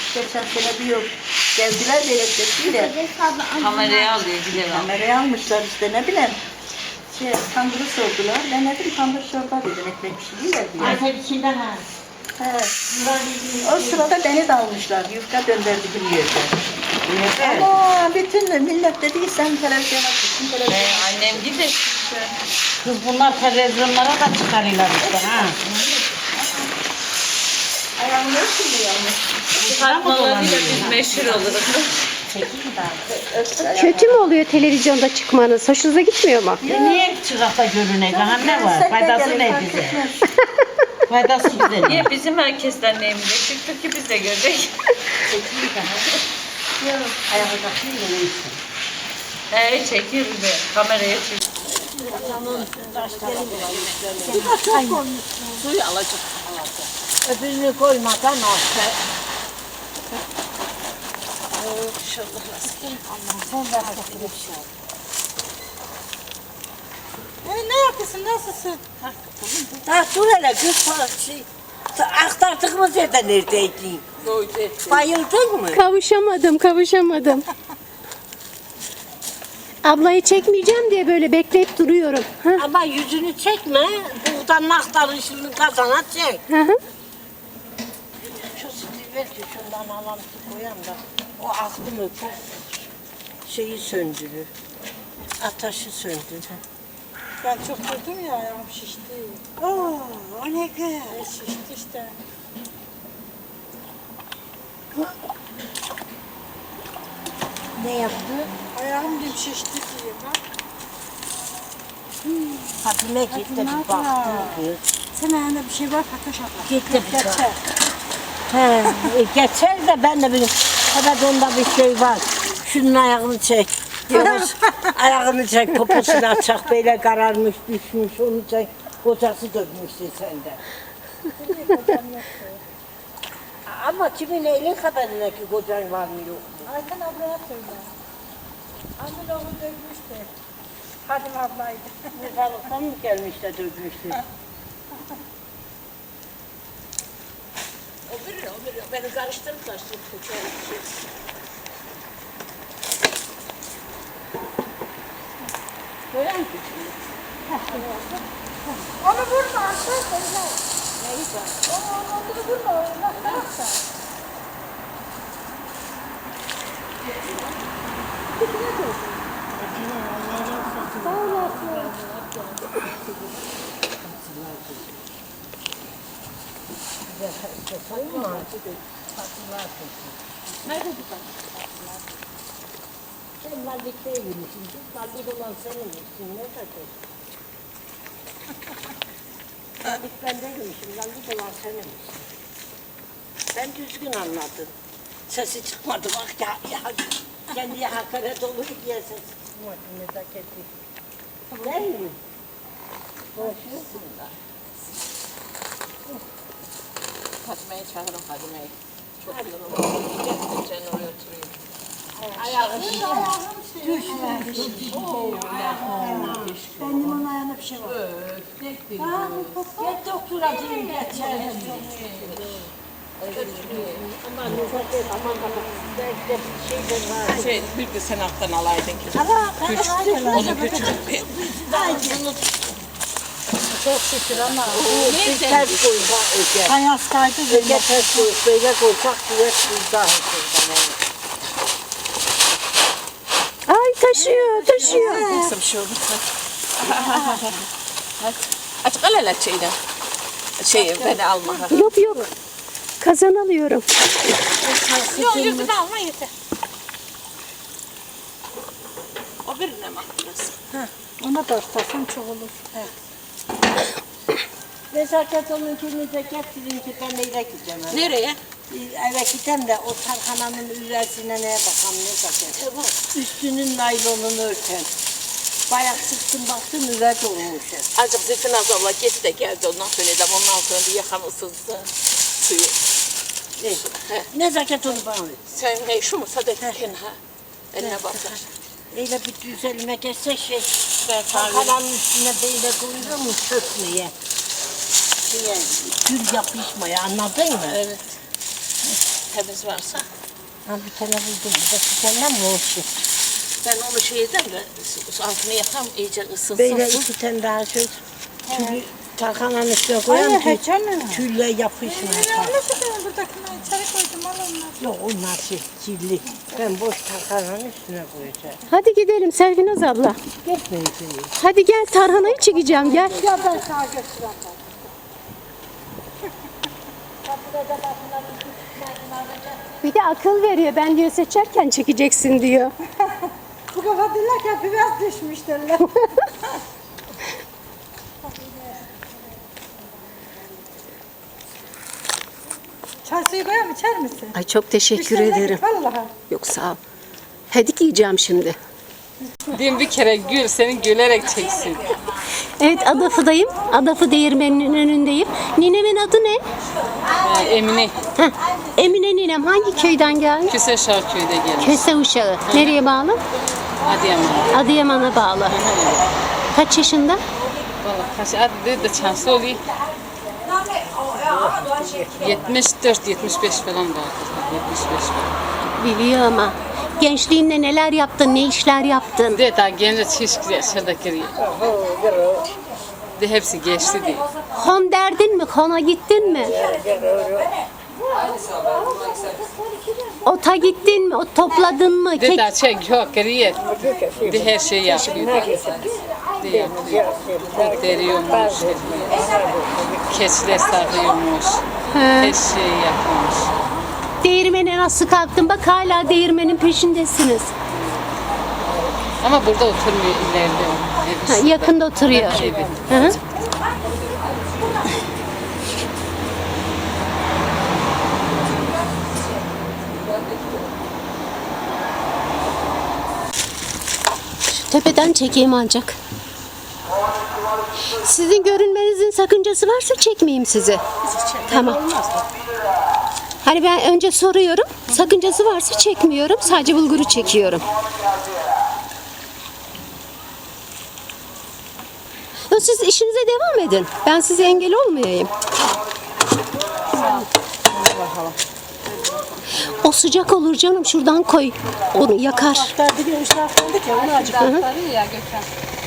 Geçen sene bir yıl geldiler de elektrikliyle. Kameraya alıyor gidelim. Kameraya almışlar işte ne bileyim. Tandırı sordular. Ben dedim tandır çorba dedim ekmek pişiriyorlar diye. Ayşe içinden ha. He. O sırada beni de almışlar. Yufka döndürdüğüm yerde. Evet. Ama bütün millet dedi ki sen televizyona çıksın. Annem gider. Kız bunlar televizyonlara da çıkarıyorlar işte ha. Ayağımı ölçün yalnız. Bu tatmalarıyla biz meşhur oluruz. Kötü mü oluyor televizyonda çıkmanız? Hoşunuza gitmiyor mu? Niye çırakta görüne? Daha ne var? Faydası ne bize? Faydası bize ne? Niye bizim herkesten neyimize çıktı ki biz de gördük. Çekiyor bizi. Kameraya çekiyor. Suyu alacak. Öbürünü koymadan olsa. Ne yapıyorsun? Nasılsın? Ha dur hele kız aktardığımız yerde neredeydin? Bayıldın mı? Kavuşamadım. Ablayı çekmeyeceğim diye böyle bekleyip duruyorum. Ha? Ama yüzünü çekme. Buradan aktarışını kazana çek. Hı hı. Şu sütü ver ki şundan alalım koyalım da. O aklımı çok şeyi söndürür. Ateşi söndürür. Ben çok durdum ya ayağım şişti. Oo, o ne güzel. Şişti işte. Ne yaptı? Ayağım dim şişti diye bak. Fatime gitti bir baktı kız. Sen ayağında bir şey var Fatoş abla. Gitti bir baktı. Geçer. He, geçer de ben de bileyim. Evet onda bir şey var. Şunun ayağını çek. Yavuz ayağını çek, poposunu açacak böyle kararmış, düşmüş, onu çek. Kocası dönmüştü sende. Ama kimin elin haberine ki kocan var mı yok mu? Ayten ablaya söyle. Annem onu dövmüştü. Hadim ablaydı. Mezarlıktan mı gelmiş de dönmüştü? O biri, beni karıştırıp koçarım. Böyle mi? Onu vurma arkadaşlar. Neyi var? Onu vurma. Onu bıraksa. Sağ olasın. Nerede bu kadar? Sen Malik'te yemişsin. Malik olan senin misin? Ne kadar? Malik ben değilmişim. Malik olan senin misin? Ben düzgün anladım. Sesi çıkmadı bak ya. Kendiye hakaret olur diye sesi çıkmadı. Nezaketi. Değil mi? Hoşlusun da. Fatime'yi çağırın Fatime'yi. Çok yorulmuş. Gerçekten oraya oturuyor. Ayağını Benim onun ayağında bir şey var. Gel doktora diyeyim geçer. Aman nezaket aman belki de bir şey de var. Bir de sen alttan alaydın ki. Onu götürüp. Çok şükür ama. bir ters koysa öge. Ben hastaydı. Öge ters koy, böyle koysak kuvvet burada. Ay taşıyor. Nasıl bir şey oldu? Aç kal hele şeyden. Beni alma. Yok. Kazan alıyorum. Yok yüzünü alma yeter. O birine mi attınız? Ona da ıslasam çok olur. Nezaket onunkini de getirin ki ben neyle gideceğim. Nereye? Eve gideyim de o tarhananın üvesine neye bakalım nezaket. Üstünün naylonunu örten. Bayağı sıktım baktım üve dolmuş. Azıcık Zeytin abla git de geldi ondan sonra da ondan sonra bir yakan ısınsın suyu. Nezaket onu bana ver. Sen şu mu sadetken ha? Eline bakar. Öyle bir düzelime geçse tarhananın üstüne böyle koyuyor mu çökmeye? Gül yapışmaya anladın mı? Evet. temiz varsa. Ha bir tane buldum. Bir tane mi olsun? Ben onu şeyden de altını yakam iyice ısınsın. Böyle su. 2 tane daha şöyle tülü tarhananın üstüne koyalım ki tülle yapışmıyor. Buradakini içeri koydum al onları. Yok onlar kirli. Ben boş tarhananın üstüne koyacağım. Hadi gidelim Servinaz abla. Gitmeyeceğim. Hadi gel tarhanayı çekeceğim gel. Ya ben sana götüreyim. Bir de akıl veriyor. Ben diyor seçerken çekeceksin diyor. Bu kafa dinlerken biraz düşmüş derler. Çay suyu koyayım içer misin? Ay çok teşekkür Müşteriler ederim. git, vallahi. Yok sağ ol. Hadi yiyeceğim şimdi. Diyeyim bir kere gül, seni gülerek çeksin. Evet Adafı'dayım. Adafı değirmeninin önündeyim. Ninemin adı ne? Emine, Heh, Emine ninem hangi köyden gelmiş? Küse Şarköy'de gelmiş. Köse uşağı. Nereye bağlı? Adıyaman. Adıyaman'a bağlı. Kaç yaşında? Valla kaç adı da çansı oluyor. 74-75 falan vardır. 75 falan. Biliyor ama. Gençliğinde neler yaptın, ne işler yaptın? De daha genç hiç yaşlarda giriyor. De hepsi geçti diye. Hon derdin mi? Hona gittin mi? Ota gittin mi? Ot topladın mı? De daha çek yok giriyor. De her şeyi yapıyor. De yapıyor. Ot deriyormuş. Keçiler sağlıyormuş. Her şeyi yapıyormuş. Değirmene nasıl kalktın? Bak hala değirmenin peşindesiniz. Ama burada oturmuyor ileride. Ha, yakında oturuyor. Evet. Hı hı. Şu tepeden çekeyim ancak. Sizin görünmenizin sakıncası varsa çekmeyeyim sizi. Tamam. Hani ben önce soruyorum. Sakıncası varsa çekmiyorum. Sadece bulguru çekiyorum. Ya siz işinize devam edin. Ben size engel olmayayım. O sıcak olur canım. Şuradan koy. Onu yakar. Bir de uşak oldu ki onu acık. Ya Gökhan.